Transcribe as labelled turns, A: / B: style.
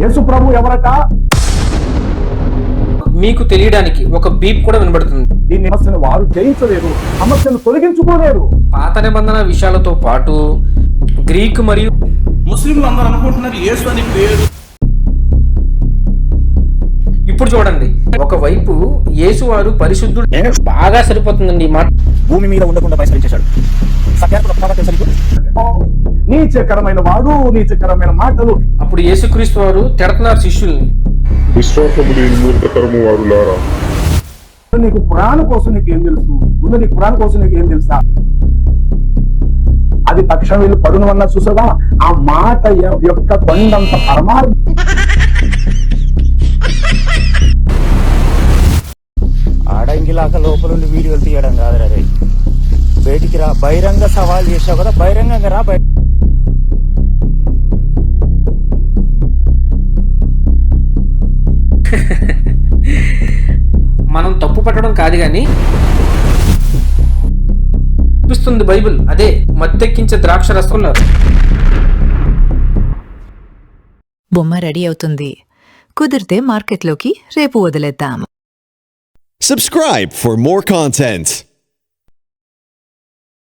A: యేసు ప్రభు ఎవరట?
B: మీకు తెలియడానికి ఒక బీప్ కూడా వినబడుతుంది.
A: దీన్ని సమస్యను వారు జయించలేరు, సమస్యను తొలగించుకోలేరు.
B: పాత నిబంధన విషయాలతో పాటు గ్రీక్ మరియు
C: ముస్లింలు అందరూ అనుకుంటున్నారు యేసు అని పేరు.
B: ఇప్పుడు చూడండి, ఒకవైపు యేసు వారు పరిశుద్ధుడు బాగా సరిపోతుందండి ఈ మాట.
D: భూమి మీద ఉండకుండా పరిసరించాడు.
A: నీచకరమైన వాడు, నీచకరమైన మాటలు.
B: అప్పుడు యేసుక్రీస్తు వారు తిడుతున్నారు శిష్యుల్ని.
E: విశ్వాసము లేని మూర్ఖతరము వారులారా,
A: నీకు ఖురాన్ కోసం నీకేం తెలుసు? ముందు నీ ఖురాన్ కోసం నీకేం తెలుసా? అది తక్షణం వీళ్ళు పడును అన్న చూసగా ఆ మాట యొక్క కొండంత పరమార్థం.
D: ఆడంగిలాక లోపలుండి వీడియోలు తీయడం కాదురా రే. బయటికి రా, బహిరంగ సవాల్ చేసావు కదా, బహిరంగంగా రా.
B: మనం తప్పు పట్టడం కాదు గాని చూపిస్తుంది బైబిల్. అదే మత్తెక్కించే ద్రాక్ష రసంలో.
F: బొమ్మ రెడీ అవుతుంది. కుదిరితే మార్కెట్లోకి రేపు వదిలేద్దాం.
G: Subscribe for more content.